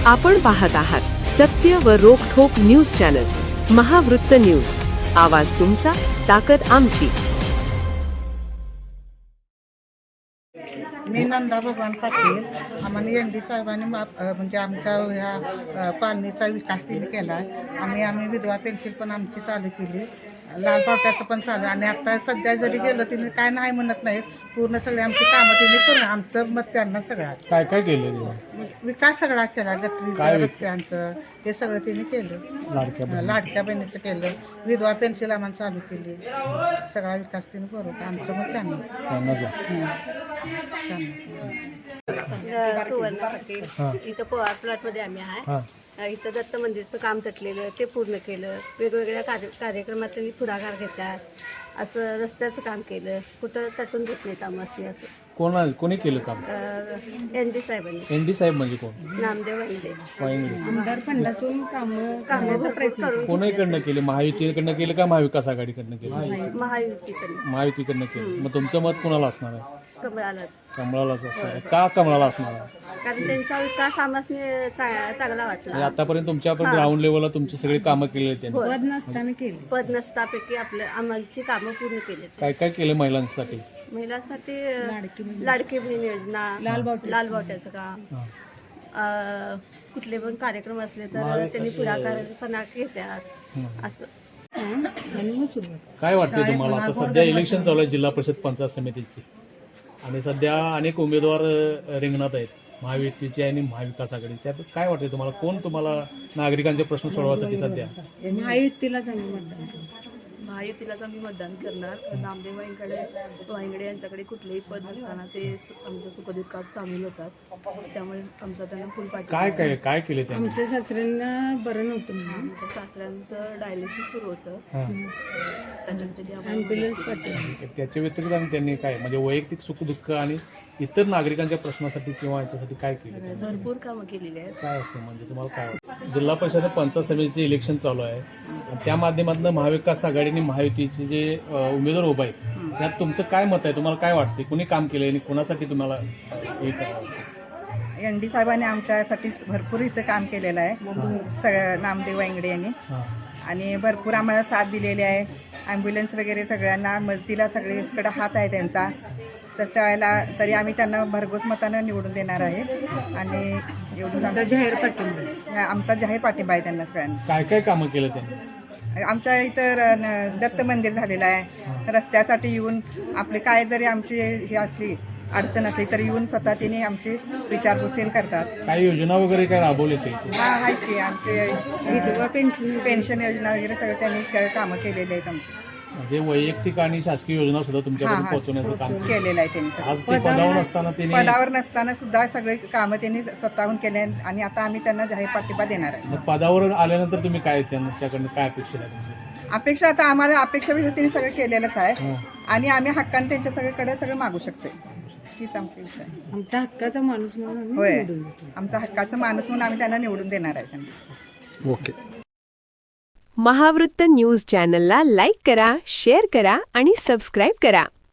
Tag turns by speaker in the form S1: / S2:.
S1: आपण पाहत आहात सत्य व रोखठोक न्यूज चॅनल महावृत्त न्यूज. आवाज तुमचा, ताकद आमची.
S2: मी नंदा भगवान पाटील. आम्हाला एन डी साहेबांनी म्हणजे आमच्या ह्या कॉलनीचा विकास तिने केला आहे. आम्ही विधवा पेन्शन पण आमची चालू केली, लाल पावट्याचं पण चालू. आणि आता सध्या जरी गेलं तिने काय नाही म्हणत नाहीत, पूर्ण सगळे आमची कामं तिने करून आमचं मत त्यांना सगळं
S3: काय काय केलं
S2: विकास सगळा केला. गटरीचं, रस्त्यांचं हे सगळं तिने केलं. लाडक्या बहिणीचं केलं, विधवा पेन्शन आम्हाला चालू केली. सगळा विकास तिने करून आमचं मत त्यांना
S4: सुवर्ण पाटील. इथं पवार प्लॉटमध्ये आम्ही आहे. इथं दत्त मंदिरचं काम तटलेलं ते पूर्ण केलं. वेगवेगळ्या कार्यक्रमात त्यांनी पुढाकार घेतला. असं रस्त्याचं काम केलं, कुठं तटून घेत नाहीत आम्हाला. असं
S3: कोणी केलं काम?
S4: एन डी साहेबांनी.
S3: एन डी साहेब म्हणजे कोण?
S4: नामदेव वाहिंदे.
S2: आमदार फंडातून
S4: कामाचा प्रयत्न करून
S3: कोणाकडनं केलं? महायुतीकडनं केलं का महाविकास आघाडीकडनं केलं? महायुतीकडनं केलं. मग तुमचं मत कोणाला असणार आहे? कमळालाच असणार आहे. का कमळाला असणार आहे?
S4: कारण त्यांचा विकास आम्हाला चांगला वाटला.
S3: आतापर्यंत तुमच्या ग्राउंड लेवलला तुमची सगळी कामं केली आहेत त्यांनी.
S4: पद नसतापैकी आमची कामं पूर्ण केली.
S3: काय काय केलं महिलांसाठी?
S4: महिलांसाठी लाडकी बहीण योजना, लाल बावट्याचं काम, कुठले पण कार्यक्रम असले तर त्यांनी पुढाकारपणा घेतात. असं
S3: काय वाटतं तुम्हाला? आता सध्या इलेक्शन चालू आहे जिल्हा परिषद पंचायत समितीची, आणि सध्या अनेक उमेदवार रिंगणात आहेत, महायुतीचे आणि महाविकास आघाडी. त्यात काय वाटते तुम्हाला? कोण तुम्हाला नागरिकांचे प्रश्न सोडवण्यासाठी सध्या?
S5: महायुतीलाच आम्ही मतदान करणार. नामदेव वाहिंगडे यांच्याकडे कुठलेही पद नसताना ते आमच्या सुखदुःखात सामील होतात, त्यामुळे आमचा त्यांना फुल पाठिंबा.
S3: काय केले त्यांनी?
S6: आमच्या सासऱ्यांना बरं नव्हतं म्हणून
S5: आमच्या सासऱ्यांचं डायलिसिस सुरू होतं, त्याच्यासाठी
S6: ॲम्ब्युलन्स पाठवली.
S3: त्याच्या व्यतिरिक्त आणि त्यांनी काय म्हणजे वैयक्तिक सुखदुःख आणि इतर नागरिकांच्या प्रश्नासाठी किंवा याच्यासाठी काय केलं?
S5: भरपूर कामं केलेली आहेत.
S3: काय असं म्हणजे तुम्हाला काय वाटतं? जिल्हा परिषद पंचायत समितीचे इलेक्शन चालू आहे, आणि त्या माध्यमातून महाविकास आघाडी आणि महायुतीचे जे उमेदवार उभे आहेत त्यात तुमचं काय मत आहे? तुम्हाला काय वाटते? कुणी काम केलं आणि कुणासाठी तुम्हाला हे करावं?
S2: एन डी साहेबांनी आमच्यासाठी भरपूर इथं काम केलेलं आहे. सगळं नामदेव वांगडे यांनी आणि भरपूर आम्हाला साथ दिलेली आहे. ॲम्ब्युलन्स वगैरे सगळ्यांना मदतीला सगळीकडे हात आहे त्यांचा. तर त्यावेळेला तरी आम्ही त्यांना भरघोस मतानं निवडून देणार आहे. आणि एवढं
S6: जाहीर पाठिंबा,
S2: आमचा जाहीर पाठिंबा आहे त्यांना सगळ्यांना.
S3: काय काय कामं केलं त्यांनी?
S2: आमच्या इथं दत्त मंदिर झालेलं आहे. रस्त्यासाठी येऊन आपले काय जरी आमची ही असली अडचण असली तरी येऊन स्वतः तिने आमची विचारपूस करतात.
S3: काही योजना वगैरे काय राबवले ते?
S2: आहे की आमचे
S6: विधवा
S2: पेन्शन योजना वगैरे सगळं त्यांनी कामं केलेली आहेत आमची.
S3: म्हणजे वैयक्तिक आणि शासकीय योजना सुद्धा तुमच्याकडे पोहोचवण्याचं काम
S2: केलेलं आहे त्यांनी.
S3: आज ते
S2: पदावर नसताना सुद्धा सगळे कामं त्यांनी स्वतःहून केले आणि आता आम्ही त्यांना जाहीर पाठिंबा देणार आहे.
S3: पदावर आल्यानंतर तुम्ही काय त्यांच्याकडनं काय अपेक्षा आहे तुमची?
S2: अपेक्षा आता आम्हाला अपेक्षा त्यांनी सगळं केलेलंच आहे आणि आम्ही हक्काने त्यांच्या सगळीकडे सगळं मागू शकतो. हीच आमची इच्छा आहे.
S6: आमचा हक्काचा माणूस म्हणून
S2: होय, आमचा हक्काचा माणूस म्हणून आम्ही त्यांना निवडून देणार आहे.
S3: ओके.
S1: महावृत्त न्यूज चॅनलला लाईक करा, शेअर करा आणि सबस्क्राईब करा.